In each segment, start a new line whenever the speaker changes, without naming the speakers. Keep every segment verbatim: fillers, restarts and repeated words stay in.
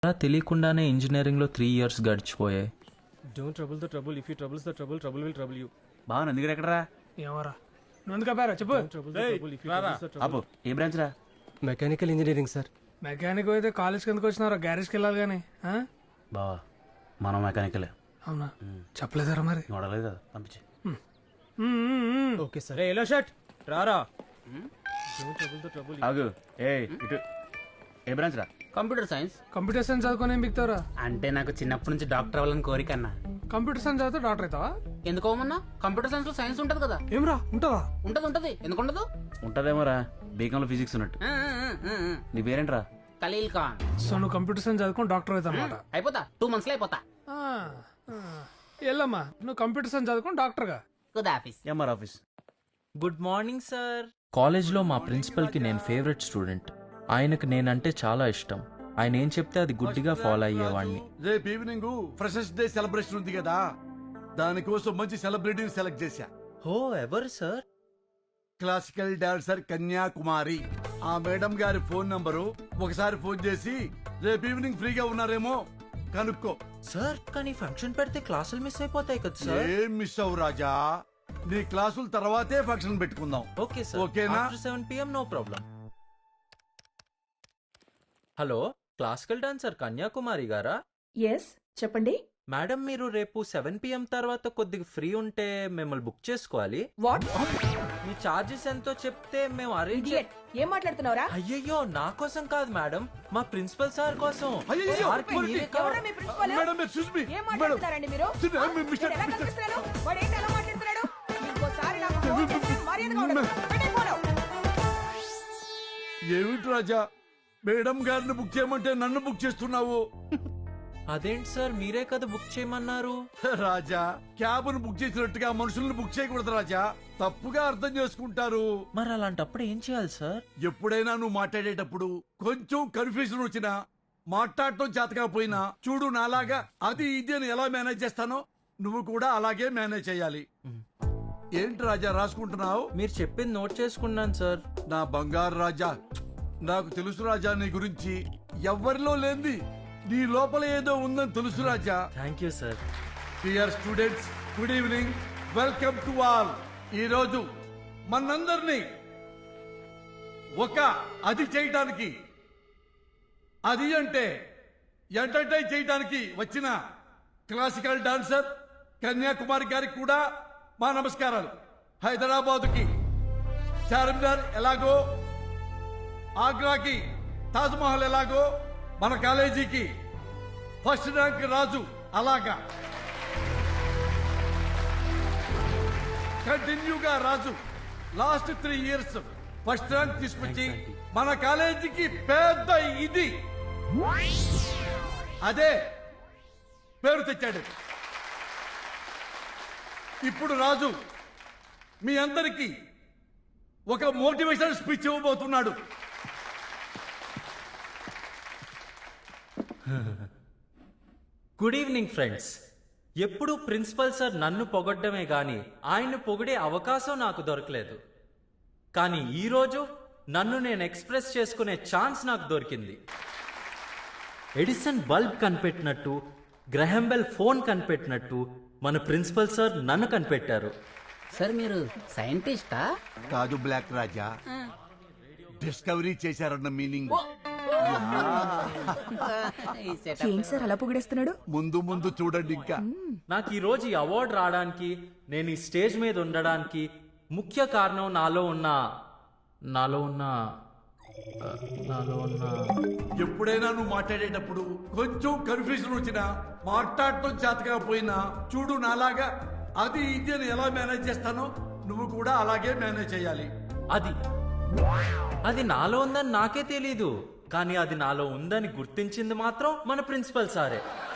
అలా తెలియకుండానే ఇంజనీరింగ్లో త్రీ ఇయర్స్ గడిచిపోయాయి.
Don't trouble the trouble if you troubles the trouble trouble will trouble you.
బాగా నందిగడ ఎక్కడరా?
ఏమరా నువ్వు ఎందుకు ఆపారా చెప్పు.
Trouble the trouble if you troubles the trouble.
అబ్బో ఏ బ్రాంచ్ రా?
Mechanical engineering sir.
మెకానిక్ అయితే కాలేజ్కి ఎందుకు వచ్చినారా? గ్యారేజ్కి వెళ్ళాలి కానీ.
బావా మనం మెకానికలే.
అవునా చెప్పలేదారా మరి?
నోడలేదు కదా, పంపించి.
Okay sir. రే ఎల్లో షర్ట్ రారా. Don't trouble the trouble.
ఆగు. ఏ ఇటు ఏ బ్రాంచ్ రా?
Computer science.
కంప్యూటర్ సైన్స్ చదువుకొని ఏం బిగుతావురా?
అంటే నాకు చిన్నప్పటి నుంచి డాక్టర్ అవ్వాలని కోరిక అన్న.
కంప్యూటర్ సైన్స్ చదివితే డాక్టర్ అవుతావా?
ఎందుకోమన్నా, కంప్యూటర్ సైన్స్ లో సైన్స్ ఉంటది కదా.
ఏమ్రా ఉంటుందా?
ఉంటది ఉంటది ఎందుకుండదు.
ఉంటదేమో రా, బీకాంలో ఫిజిక్స్ ఉన్నట్టు.
ఆ, ఆ, ఆ, ఆ.
నీ పేరేంట్రా?
ఖలీల్ ఖాన్.
సో నువ్వు కంప్యూటర్ సైన్స్ చదువుకొని డాక్టర్ అవుతావు అనమాట.
అయిపోతా, టూ మంత్స్ లో అయిపోతా.
వెళ్ళమ్మా నువ్వు కంప్యూటర్ సైన్స్ చదువుకొని డాక్టర్గా.
Good office.
MR office.
Good morning sir. కాలేజ్లో మా ప్రిన్సిపల్కి నేను ఫేవరెట్ స్టూడెంట్. ఆయనకు నేనంటే చాలా ఇష్టం. ఆయన ఏం చెప్తే అది గుడ్డిగా ఫాలో అయ్యేవాడిని.
రేపు ఈవినింగ్ ఫ్రెషర్స్ డే సెలబ్రేషన్ ఉంది కదా, దానికోసం మంచి సెలబ్రిటీని సెలెక్ట్ చేశా.
హో ఎవరు సార్?
Classical dancer Kanyakumari. ఆ మేడం గారి ఫోన్ నంబరు ఒకసారి ఫోన్ చేసి రేపు ఈవినింగ్ ఫ్రీగా ఉన్నారేమో కనుక్కో.
సార్ కానీ ఫంక్షన్ పెడితే క్లాసులు మిస్ అయిపోతాయి కదా సార్.
ఏం మిస్ అవ్వు రాజా, నీ క్లాసుల తర్వాతే ఫంక్షన్ పెట్టుకుందాం.
Okay sir.
ఓకేనా?
Seven PM no problem. Hello, classical dancer Kanyakumari గారా?
ఎస్ చెప్పండి.
మేడం మీరు రేపు సెవెన్ పిఎం తర్వాత కొద్దిగా ఫ్రీ ఉంటే మిమ్మల్ని బుక్ చేసుకోవాలి.
వాట్?
మీ చార్జెస్ ఎంతో చెప్తే మేము అరేంజ్.
ఇడియట్, ఏం మాట్లాడుతున్నావురా?
అయ్యయ్యో నా కోసం కాదు మేడం, మా ప్రిన్సిపల్ సార్ కోసం.
అయ్యయ్యో,
సార్కి
మరి
మీరే
ఎవరా
కావాలి.
మీ ప్రిన్సిపల్?
Madam, excuse me.
ఏం మాట్లాడుతున్నారండి మీరు?
Sir, I'm Mister-
నేను ఎలా
Mister-
కనిపిస్తున్నాను? వాడు ఏంటి ఎలా మాట్లాడుతున్నాడు? ఇంకోసారి నాకు ఫోన్ చేస్తే మర్యాదగా ఉండదు. పెట్టే ఫోను.
ఏమిటి రాజా, మేడం గారిని బుక్ చేయమంటే నన్ను బుక్ చేస్తున్నావు?
అదేంటి సార్, మీరే కదా బుక్ చేయమన్నారు.
రాజా, క్యాబ్ ను బుక్ చేసినట్టుగా మనుషుల్ని బుక్ చేయకూడదు రాజా, తప్పుగా అర్థం చేసుకుంటారు.
మరి అలాంటప్పుడు ఏం చేయాలి సార్?
ఎప్పుడైనా నువ్వు మాట్లాడేటప్పుడు కొంచెం కన్ఫ్యూజన్ వచ్చినా, మాట్లాడటం చేతకపోయినా, చూడు నాలాగా అది ఇది అని ఎలా మేనేజ్ చేస్తానో నువ్వు కూడా అలాగే మేనేజ్ చేయాలి. ఏంటి రాజా రాసుకుంటున్నావు?
మీరు చెప్పింది నోట్ చేసుకున్నాను సార్.
నా బంగారు రాజా, నాకు తెలుసు రాజా నీ గురించి. ఎవ్వరిలో లేంది నీ లోపల ఏదో ఉందని తెలుసు Raja.
Thank you sir.
Dear students, good evening, welcome to all. ఈ రోజు మనందరినీ ఒక అది చేయడానికి, అది అంటే ఎంటర్టైన్ చేయడానికి వచ్చిన క్లాసికల్ డాన్సర్ కన్యాకుమారి గారికి కూడా మా నమస్కారాలు. హైదరాబాదుకి చార్మినార్ ఎలాగో, ఆగ్రాకి తాజ్మహల్ ఎలాగో, మన కాలేజీకి ఫస్ట్ ర్యాంక్ రాజు అలాగా కంటిన్యూగా Raju last three years first rank తీసుకొచ్చి మన కాలేజీకి పెద్ద ఇది అదే పేరు తెచ్చాడు. ఇప్పుడు రాజు మీ అందరికీ ఒక మోటివేషన్ స్పీచ్ ఇవ్వబోతున్నాడు.
Good evening friends. ఎప్పుడు ప్రిన్సిపల్ సార్ నన్ను పొగడ్డమే గాని ఆయన్ని పొగిడే అవకాశం నాకు దొరకలేదు. కానీ ఈరోజు నన్ను నేను ఎక్స్ప్రెస్ చేసుకునే ఛాన్స్ నాకు దొరికింది. Edison bulb కనిపెట్టినట్టు, Graham Bell phone కనిపెట్టినట్టు మన ప్రిన్సిపల్ సార్ నన్ను కనిపెట్టారు.
సార్ మీరు సైంటిస్టా?
కాదు బ్లాక్ రాజా, డిస్కవరీ చేశారన్న మీనింగ్.
ఏంటి సార్ అలా పొగిడేస్తున్నాడు?
ముందు ముందు చూడండి. ఇంకా
నాకు ఈ రోజు ఈ అవార్డు రావడానికి, నేను ఈ స్టేజ్ మీద ఉండడానికి ముఖ్య కారణం నాలో ఉన్న నాలో ఉన్న నాలో ఉన్న
ఎప్పుడైనా నువ్వు మాట్లాడేటప్పుడు కొంచెం కన్ఫ్యూజన్ వచ్చినా, మాట్లాడటం చేతకపోయినా, చూడు నాలాగా అది ఇది అని ఎలా మేనేజ్ చేస్తానో నువ్వు కూడా అలాగే మేనేజ్ చేయాలి.
అది అది నాలో ఉందని నాకే తెలీదు, కానీ అది నాలో ఉందని గుర్తించింది మాత్రం మన ప్రిన్సిపల్ సారే.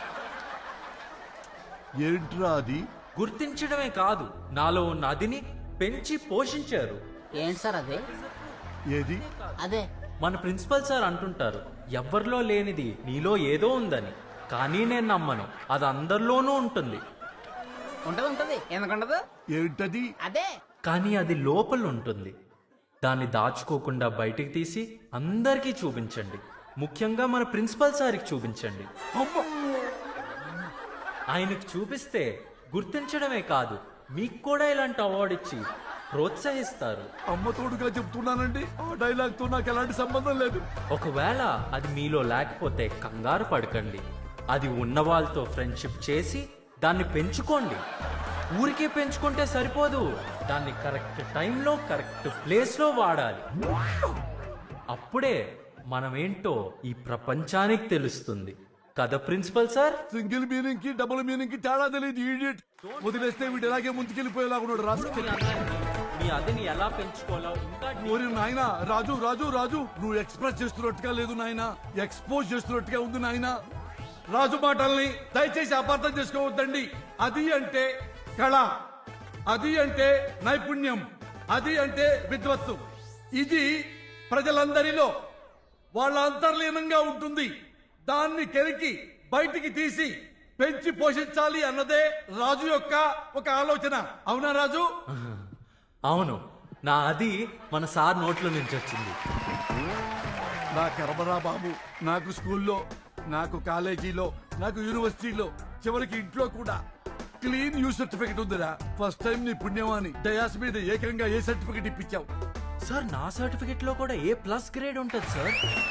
ఏంట్రా అది?
గుర్తించడమే కాదు, నాలో ఉన్న అదిని పెంచి పోషించారు.
ఏంటి సార్ అదే?
ఏది?
అదే
మన ప్రిన్సిపల్ సార్ అంటుంటారు, ఎవ్వరిలో లేనిది నీలో ఏదో ఉందని. కానీ నేను నమ్మను, అది అందరిలోనూ ఉంటుంది.
ఉంటది ఉంటది ఎందుకుండదు?
ఏంటది?
అదే
కానీ అది లోపల ఉంటుంది. దాన్ని దాచుకోకుండా బయటికి తీసి అందరికీ చూపించండి. ముఖ్యంగా మన ప్రిన్సిపల్ సార్కి చూపించండి.
అమ్మ
ఆయనకు చూపిస్తే గుర్తించడమే కాదు, మీకు కూడా ఇలాంటి అవార్డు ఇచ్చి ప్రోత్సహిస్తారు.
అమ్మ తోడుగా చెప్తున్నానండి, ఆ డైలాగ్ తో నాకు ఎలాంటి సంబంధం లేదు.
ఒకవేళ అది మీలో లేకపోతే కంగారు పడకండి. అది ఉన్న వాళ్ళతో ఫ్రెండ్షిప్ చేసి దాన్ని పెంచుకోండి. ఊరికే పెంచుకుంటే సరిపోదు, దాన్ని కరెక్ట్ టైంలో కరెక్ట్ ప్లేస్లో వాడాలి. అప్పుడే మనమేంటో ఈ ప్రపంచానికి తెలుస్తుంది కదా ప్రిన్సిపల్ సార్?
సింగిల్ మీనింగ్ కి డబుల్ మీనింగ్ కి తేడా తెలియదు. ఈడియట్ వదిలేస్తే వీడు ఎలాగే ముందుకెళ్ళిపోయేలాగా ఉన్నాడు. రాసుకెళ్ళి
మీ అదిని ఎలా పెంచుకోవాలో ఇంకా
ఓరి నాయన, రాజు రాజు రాజు నువ్వు ఎక్స్ప్రెస్ చేస్తున్నట్టుగా లేదు నాయన, ఎక్స్పోజ్ చేస్తున్నట్టుగా ఉంది నాయన. రాజు మాటల్ని దయచేసి అపార్థం చేసుకోవద్దండి. అది అంటే కళ, అది అంటే నైపుణ్యం, అది అంటే విద్వత్తు. ఇది ప్రజలందరిలో వాళ్ళ అంతర్లీనంగా ఉంటుంది. దాన్ని కెరికి బయటికి తీసి పెంచి పోషించాలి అన్నదే రాజు యొక్క ఒక ఆలోచన. అవునా రాజు?
అవును, నా అది మన సార్ నోట్లో నుంచి వచ్చింది.
నా కర్మరా బాబు, నాకు స్కూల్లో, నాకు కాలేజీలో, నాకు యూనివర్సిటీలో, చివరికి ఇంట్లో కూడా క్లీన్ యూ సర్టిఫికెట్ ఉందిరా. ఫస్ట్ టైం నీ పుణ్యమాని డయాస్ మీద ఏకంగా ఏ సర్టిఫికెట్ ఇప్పించావు.
సార్ నా సర్టిఫికెట్ లో కూడా ఏ ప్లస్ గ్రేడ్ ఉంటుంది సార్.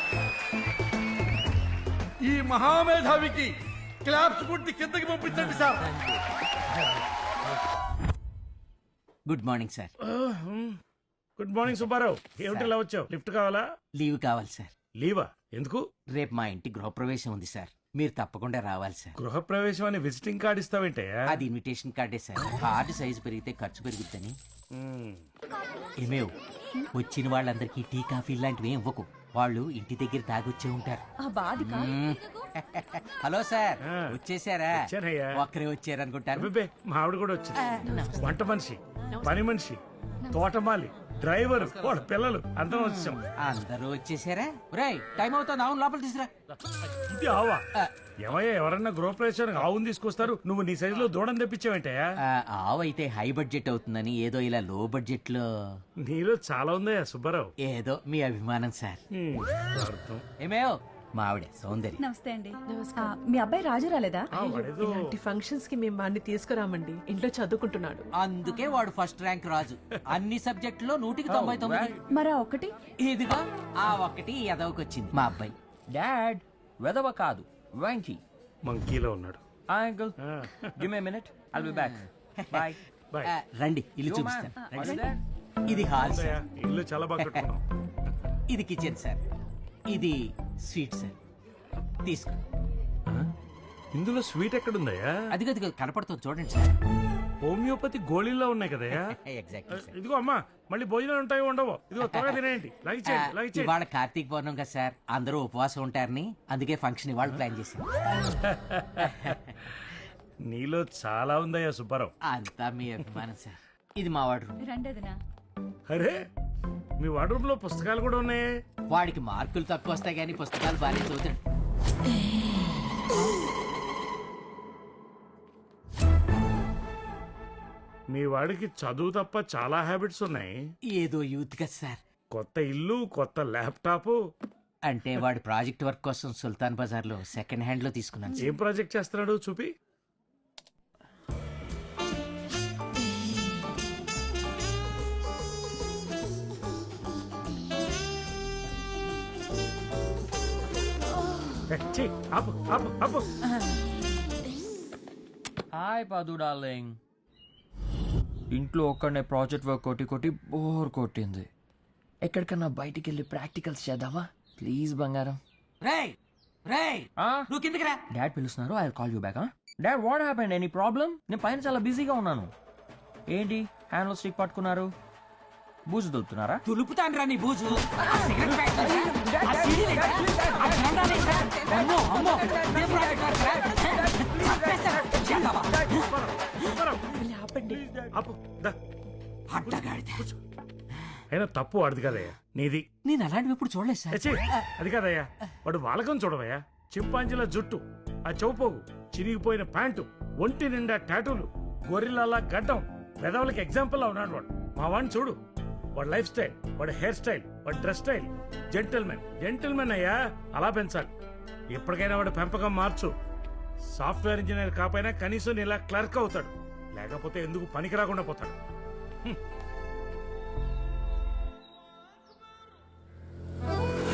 ఈ మహామేధావికి క్లాప్స్ కొట్టి కిందకి పంపించండి sir.
Good morning sir.
Good morning Subbarao. ఏమిటి ఇలా వచ్చావు? లిఫ్ట్ కావాలా?
లీవ్ కావాలి సార్.
లీవా? ఎందుకు?
రేపు మా ఇంటి గృహప్రవేశం ఉంది సార్, మీరు తప్పకుండా రావాలి సార్.
గృహప్రవేశం అని విజిటింగ్ కార్డు ఇస్తావేంటే?
అది ఇన్విటేషన్ కార్డే సార్. కార్డు సైజు పెరిగితే ఖర్చు పెరుగుద్దని. ఏమేవ్, వచ్చిన వాళ్ళందరికీ టీ కాఫీ లాంటివి ఏం ఇవ్వకు, వాళ్ళు ఇంటి దగ్గర తాగొచ్చే ఉంటారు. మ్మ్. హలో సార్,
ఆ.
వచ్చేసారా?
వచ్చానయ్యా.
ఒక్కరే వచ్చారనుకుంటారు.
అబ్బే, మా ఆవిడ కూడా వచ్చింది. వంట మనిషి, పని మనిషి, తోటమాలి, డ్రైవర్, వాళ్ళ పిల్లలు అందరం వచ్చాం.
అందరూ వచ్చేసారా? రేయ్, టైం అవుతుంది, అవును లోపల తీసురా.
ఇది ఆవా? ఏమయ్యా, ఎవరన్నా గృహప్రవేశానికి ఆవును తీసుకొస్తారు, నువ్వు నీ సైజులో దూడం తెప్పించావేంటయ్యా?
ఆ, ఆవు అయితే హై బడ్జెట్ అవుతుందని ఏదో ఇలా లో బడ్జెట్ లో.
నీలో చాలా ఉందయ్యా సుబ్బారావు.
ఏదో మీ అభిమానం సార్.
హ్మ్, అర్థం.
ఏమేవ్, మా ఆవిడ సౌందర్య.
నమస్తే అండి. మీ అబ్బాయి రాజు రాలేదా?
ఆ, వాడేదో
ఇలాంటి ఫంక్షన్స్ కి మేము వాడిని తీసుకురామండి, ఇంట్లో చదువుకుంటున్నాడు.
అందుకే వాడు ఫస్ట్ ర్యాంక్ రాజు, అన్ని సబ్జెక్టులో నూటికి తొంభై తొమ్మిది.
మరా ఒకటి
ఇదిగో ఆ ఒక్కటి ఎదవకొచ్చింది మా అబ్బాయి.
డాడ్ వెదవ కాదు, వెంకీ.
మంకీలో ఉన్నాడు.
Uncle give me minute, I'll be back. Bye.
Bye.
ఆ, రండి ఇల్లు
Yo,
చూపిస్తాను.
man.
రండి.
What's
ఇది హాల్ సార్,
ఉందయ్యా, ఇల్లు చాలా బాగా కట్టుకున్నాం.
ఇది కిచెన్ సార్, ఇది స్వీట్ సార్. తీసుకో.
ఇందులో స్వీట్ ఎక్కడుందయ్యా?
అదిగో అదిగో కనపడుతుంది చూడండి సార్.
హోమియోపతి గోళీల్లో ఉన్నాయి కదయ్యా?
Exactly sir.
ఇదిగో అమ్మా, మళ్ళీ భోజనాలు ఉంటాయో ఉండవో? ఇదిగో త్వరగా తినేయండి.
ఆ,
లగిచేయండి, లగిచేయండి.
ఇవాళ కార్తీక పౌర్ణం కదా సార్, అందరూ ఉపవాసం ఉంటారని అందుకే ఫంక్షన్ ఇవాళ ప్లాన్ చేశాం.
నీలో చాలా ఉందయ్యా సుబ్బారావు.
అంతా మీ అభిమానం సార్. ఇది మా వాడు రూమ్.
రండదినా.
అరే, మీ వార్డ్రూమ్ లో పుస్తకాలు కూడా ఉన్నాయి.
వాడికి మార్కులు తక్కువ వస్తాయి కానీ పుస్తకాలు బాగా చదువుతాడు.
మీ వాడికి చదువు తప్ప చాలా హ్యాబిట్స్ ఉన్నాయి.
ఏదో యూత్ కదా సార్.
కొత్త ఇల్లు, కొత్త ల్యాప్టాప్.
అంటే వాడి ప్రాజెక్ట్ వర్క్ కోసం సుల్తాన్ బజార్ లో సెకండ్ హ్యాండ్ లో తీసుకున్నాను సార్.
ఏం ప్రాజెక్ట్ చేస్తున్నాడు చూపి. ఏ, ఛీ, ఆపు, ఆపు, ఆపు.
హాయ్ పాదు డార్లింగ్. ఇంట్లో ఒక్కడనే ప్రాజెక్ట్ వర్క్ కొట్టి కొట్టి బోర్ కొట్టింది. ఎక్కడికన్నా బయటికి వెళ్ళి ప్రాక్టికల్స్ చేద్దామా ప్లీజ్ బంగారం?
రేయ్ రేయ్ నువ్వు కిందకి రా.
డాడ్ పిలుస్తున్నారు, I call you back. Dad what happened? Any problem? నేను పైన చాలా బిజీగా ఉన్నాను. ఏంటి హ్యాండ్లో స్టిక్ పట్టుకున్నారు? బూజు దులుపుతున్నారా?
తులుపుతాను రా నీ బూజు. ఆ సిగరెట్ ప్యాకెట్ ఏంట్రా? ఆ సీడీ ఏంట్రా? ఆ జెండా ఏంట్రా? అమ్మో, అమ్మో, ఏ ప్రాజెక్ట్ వర్క్ రా? చంపేస్తారా? చేద్దామా?
ఆపండి.
ఆపు, దా.
అడ్డగాడిద.
అయినా తప్పు వాడిది కదయ్యా, నీది.
నేను అలాంటివి ఎప్పుడు చూడలేదు సార్.
ఏ, ఛీ, అది కాదయ్యా, వాడు వాలకం చూడవయ్యా. చింపాంజీల జుట్టు, ఆ చౌపోగు, చిరిగిపోయిన ప్యాంటు, ఒంటి నిండా టాటూలు, గొర్రెలలా గడ్డం, పెదవులకి ఎగ్జాంపుల్ లా ఉన్నాడు వాడు. మా వాడిని చూడు, వాడి లైఫ్ స్టైల్, వాడి హెయిర్ స్టైల్, వాడి డ్రెస్ స్టైల్. జెంటిల్మెన్ జెంటిల్మెన్ అయ్యా, అలా పెంచాలి. ఎప్పటికైనా వాడి పెంపకం మార్చు. సాఫ్ట్వేర్ ఇంజనీర్ కాకపోయినా కనీసం ఇలా క్లర్క్ అవుతాడు, లేకపోతే ఎందుకు పనికి రాకుండా పోతాడు. హ్మ్.